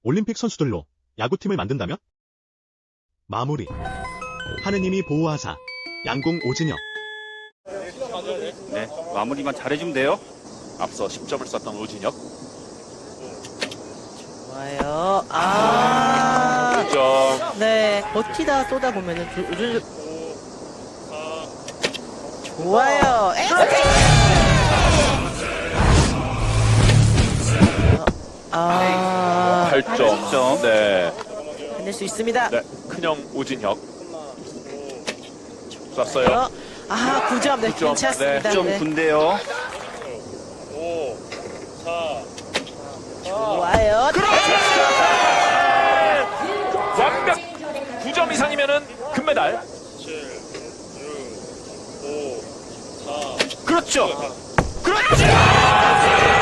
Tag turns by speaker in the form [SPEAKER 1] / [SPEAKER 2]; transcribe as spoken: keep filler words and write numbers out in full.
[SPEAKER 1] 올림픽 선수들로 야구팀을 만든다면? 마무리. 하느님이 보호하사. 양궁 오진혁.
[SPEAKER 2] 네, 마무리만 잘해주면 돼요.
[SPEAKER 3] 앞서 십 점을 쐈던 오진혁.
[SPEAKER 4] 좋아요. 아,
[SPEAKER 3] 구 점.
[SPEAKER 4] 네, 버티다 쏘다 보면은 조, 조, 조, 좋아요. 에이! 아,
[SPEAKER 3] 팔 점. 네.
[SPEAKER 4] 해낼 수 있습니다.
[SPEAKER 3] 네. 큰형 오진혁. 쐈어요.
[SPEAKER 4] 아, 구 점. 네,
[SPEAKER 3] 구 점.
[SPEAKER 4] 괜찮습니다.
[SPEAKER 3] 네,
[SPEAKER 2] 좀
[SPEAKER 4] 네.
[SPEAKER 2] 군데요.
[SPEAKER 4] 좋아요.
[SPEAKER 3] 완벽 구 점 이상이면은 금메달. 그렇죠. 그렇죠.